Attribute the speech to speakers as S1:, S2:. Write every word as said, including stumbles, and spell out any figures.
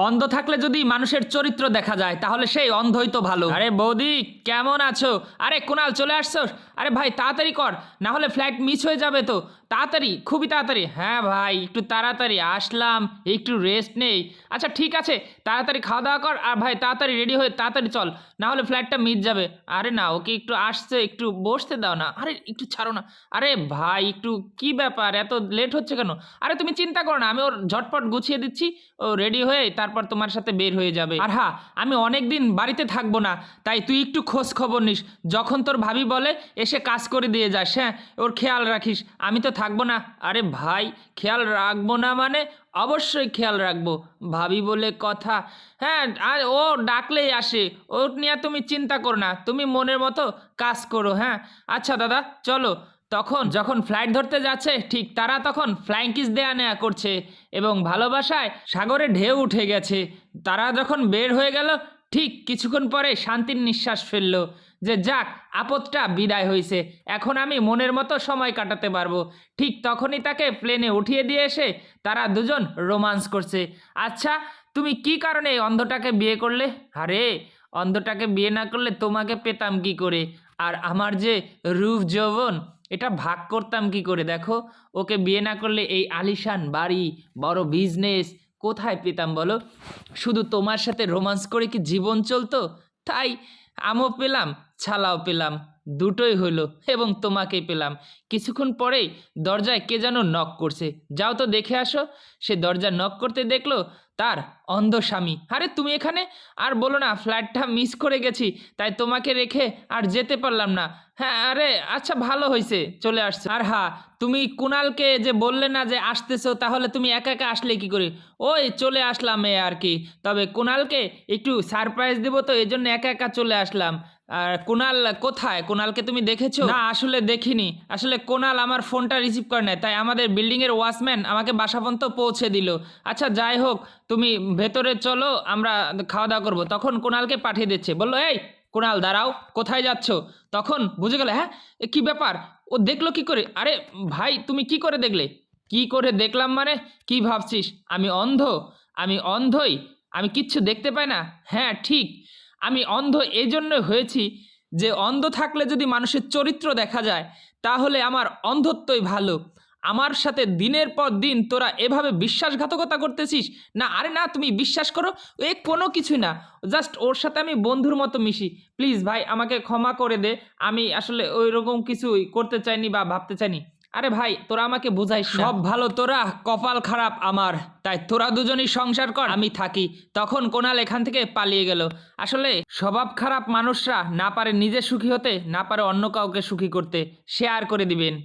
S1: অন্ধ থাকলে যদি মানুষের চরিত্র দেখা যায় তাহলে সেই অন্ধই তো ভালো। আরে বৌদি কেমন আছো? আরে কুনাল চলে আসছো? আরে ভাই তাড়াতাড়ি কর, না হলে ফ্লাইট মিস হয়ে যাবে তো। তাড়াতাড়ি, খুবই তাড়াতাড়ি। হ্যাঁ ভাই একটু তাড়াতাড়ি আসলাম, একটু রেস্ট নেই। আচ্ছা ঠিক আছে, তাড়াতাড়ি খাওয়া দাওয়া কর আর ভাই তাড়াতাড়ি রেডি হয়ে তাড়াতাড়ি চল, না হলে ফ্লাইটটা মিস যাবে। আরে না, ওকে একটু আসছে, একটু বসতে দাও না। আরে একটু ছাড়ো না। আরে ভাই একটু কি ব্যাপার, এত লেট হচ্ছে কেন? আরে তুমি চিন্তা করো না, আমি ওর ঝটপট গুছিয়ে দিচ্ছি, ও রেডি হয়ে তারপর তোমার সাথে বের হয়ে যাবে। আর হ্যাঁ, আমি অনেক দিন বাড়িতে থাকবো না, তাই তুই একটু খোঁজ খবর নিস। যখন তোর ভাবি বলে এসে কাজ করে দিয়ে যাস, হ্যাঁ ওর খেয়াল রাখিস। আমি তো থাকবো না। আরে ভাই খেয়াল রাখবো না মানে অবশ্যই খেয়াল রাখবো, ভাবি বলে কথা। হ্যাঁ আর ও ডাকলেই আসে, ও নিয়ে তুমি চিন্তা করো না, তুমি মনের মতো কাজ করো। হ্যাঁ আচ্ছা দাদা চলো। তখন যখন ফ্লাইট ধরতে যাচ্ছে ঠিক তারা তখন ফ্লাইং কিস দেয়া নেয়া করছে এবং ভালোবাসায় সাগরে ঢেউ উঠে গেছে। তারা যখন বের হয়ে গেল ঠিক কিছুক্ষণ পরে শান্তির নিঃশ্বাস ফেললো যে যাক, আপদটা বিদায় হয়েছে, এখন আমি মনের মতো সময় কাটাতে পারবো। ঠিক তখনই তাকে প্লেনে উঠিয়ে দিয়ে এসে তারা দুজন রোমান্স করছে। আচ্ছা তুমি কি কারণে এই অন্ধটাকে বিয়ে করলে? আরে অন্ধটাকে বিয়ে না করলে তোমাকে পেতাম কি করে, আর আমার যে রূপ যৌবন এটা ভাগ করতাম কি করে? দেখো ওকে বিয়ে না করলে এই আলিশান বাড়ি, বড় বিজনেস কোথায় পেতাম বলো? শুধু তোমার সাথে রোমান্স করে কি জীবন চলতো? তাই আমও পেলাম, ছালাও পেলাম, দুটোই হলো এবং তোমাকেই পেলাম। কিছুক্ষণ পরেই দরজায় কে যেন নক করছে, যাও তো দেখে আসো। সে দরজা নক করতে দেখলো তার অন্ধ স্বামী। আরে তুমি এখানে? আর বলো না, ফ্লাইটটা মিস করে গেছি, তাই তোমাকে রেখে আর যেতে পারলাম না। হ্যাঁ আরে আচ্ছা ভালো হয়েছে চলে আসছে। আর হ্যাঁ তুমি কুনালকে যে বললে না যে আসতেছো, তাহলে তুমি একা একা আসলে কি করে? ওই চলে আসলাম এ আর কি, তবে কুনালকে একটু সারপ্রাইজ দেবো তো এই জন্য একা একা চলে আসলাম। আর কুনাল কোথায়? কুনালকে তুমি দেখেছো? না আসলে দেখিনি, আসলে কুনাল আমার ফোনটা রিসিভ করে নেয়, তাই আমাদের বিল্ডিংয়ের ওয়াচম্যান আমাকে বাসা পর্যন্ত পৌঁছে দিল। আচ্ছা যাই হোক, তুমি ভেতরে চলো, আমরা খাওয়া দাওয়া করবো। তখন কুনালকে পাঠিয়ে দিচ্ছে, বললো এই কুনাল দাঁড়াও, কোথায় যাচ্ছ? তখন বুঝে গেল, হ্যাঁ এ কি ব্যাপার, ও দেখলো কি করে? আরে ভাই তুমি কি করে দেখলে? কি করে দেখলাম মানে কি ভাবছিস আমি অন্ধ? আমি অন্ধই, আমি কিচ্ছু দেখতে পাই না? হ্যাঁ ঠিক, আমি অন্ধ এই জন্য হয়েছি যে অন্ধ থাকলে যদি মানুষের চরিত্র দেখা যায় তাহলে আমার অন্ধত্বই ভালো। আমার সাথে দিনের পর দিন তোরা এভাবে বিশ্বাসঘাতকতা করতেছিস না। আরে না তুমি বিশ্বাস করো, এ কোনো কিছুই না, জাস্ট ওর সাথে আমি বন্ধুর মতো মিশি। প্লিজ ভাই আমাকে ক্ষমা করে দে, আমি আসলে ওই রকম কিছুই করতে চাইনি বা ভাবতে চাইনি। আরে ভাই তোরা আমাকে বুঝাইস না। সব ভালো তোরা, কপাল খারাপ আমার, তাই তোরা দুজনই সংসার কর আমি থাকি। তখন কোনাল এখান থেকে পালিয়ে গেল। আসলে স্বভাব খারাপ মানুষরা না পারে নিজে সুখী হতে, না পারে অন্য কাউকে সুখী করতে, শেয়ার করে দিবেন।